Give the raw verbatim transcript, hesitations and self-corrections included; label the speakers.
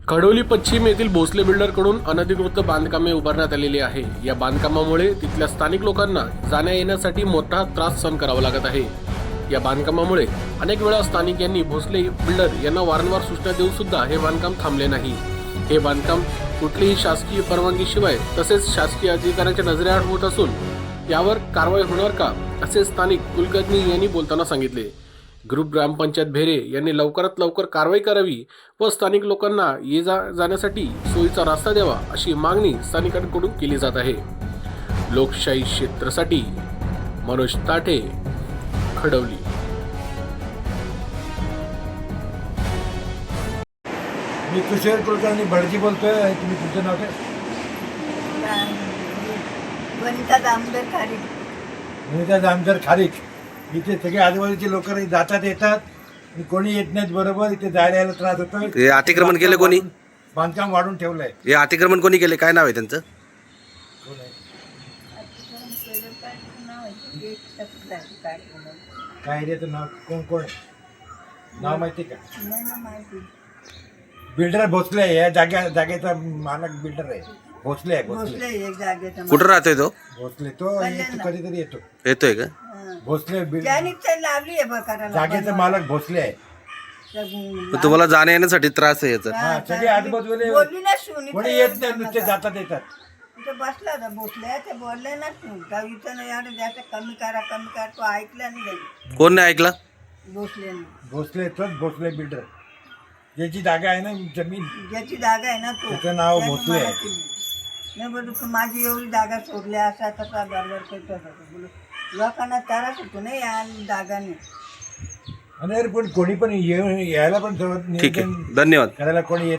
Speaker 1: खडोली पश्चिम येथील भोसले बिल्डरकडून अनधिकृत बांधकामे उभारण्यात आलेली आहे। या बांधकामामुळे तिथल्या स्थानिक लोकांना जाण्या येण्यासाठी मोठा त्रास सहन करावा लागत आहे। या बांधकामामुळे अनेक वेळा स्थानिक यांनी भोसले बिल्डर यांना वारंवार सूचना देऊन सुद्धा हे बांधकाम थांबले नाही। हे बांधकाम कुठलीही शासकीय परवानगीशिवाय तसेच शासकीय अधिकाऱ्यांच्या नजरेआड होत असून यावर कारवाई होणार का, असे स्थानिक कुलकर्णी यांनी बोलताना सांगितले। ग्रुप ग्रामपंचायत भेरे यांनी लवकरात लवकर कारवाई करावी व स्थानिक लोकांना ये जा जाण्यासाठी सोयीचा रस्ता द्यावा अशी मागणी स्थानिकांकडून केली जात आहे। लोकशाही क्षेत्रासाठी मनोज ताठे, खडवली।
Speaker 2: मी तुषार कुलकर्णी भडजी बोलतोय। तुम्ही तुमचं नाव काय?
Speaker 3: वनिता दामोदर खारीक।
Speaker 2: वनिता दामोदर खारीक। इथे सगळे आजूबाजूचे लोक जातात येतात, कोणी येत नाहीत। बरोबर इथे जायला यायला त्रास होतोय।
Speaker 4: हे अतिक्रमण केलं कोणी?
Speaker 2: बांधकाम वाढून ठेवलंय।
Speaker 4: हे अतिक्रमण कोणी केले? काय नाव आहे त्यांचं?
Speaker 2: काय एरियाचं नाव कोण कोण नाव माहिती का? बिल्डर भोसले आहे। या जाग्या जागेचा मालक बिल्डर आहे, भोसले आहे। भोसले
Speaker 3: एक जागेचा
Speaker 4: कुठं राहतोय तो?
Speaker 2: भोसले तो येतो, कधीतरी येतो।
Speaker 4: येतोय का?
Speaker 2: भोसले बिल्डर
Speaker 3: लावली आहे बघा
Speaker 2: जागेचा मालक भोसले आहे।
Speaker 4: मग तुम्हाला जाण्या येण्यासाठी त्रास आहे याचा?
Speaker 2: हा, सगळे आजूबाजूला
Speaker 3: बोलली ना सुनी
Speaker 2: कोणी येत नाही, नुसते जातात येतात।
Speaker 3: तिथे बसला होता भोसले, ते बोलले ना तू इथं नाही एवढं जास्त कमी करा कमी करा, तो ऐकला नाही जाईल
Speaker 4: कोण नाही ऐकला?
Speaker 3: भोसले
Speaker 2: भोसले तोच भोसले बिल्डर, ज्याची जागा आहे ना जमीन,
Speaker 3: ज्याची जागा आहे ना तो
Speaker 2: त्याचं नाव
Speaker 3: त्याने
Speaker 2: भोसले
Speaker 3: मला
Speaker 2: आहे।
Speaker 3: केली. नाही बोलू माझी एवढी जागा सोडली असा तसा बरोबर करतो बोलू लोकांना त्रास होतो नाही या जागाने।
Speaker 2: आणि पण कोणी पण ये- यायला पण सर्वात
Speaker 4: ठीक
Speaker 2: नियोजन
Speaker 4: आहे, धन्यवाद।
Speaker 2: करायला कोणी येत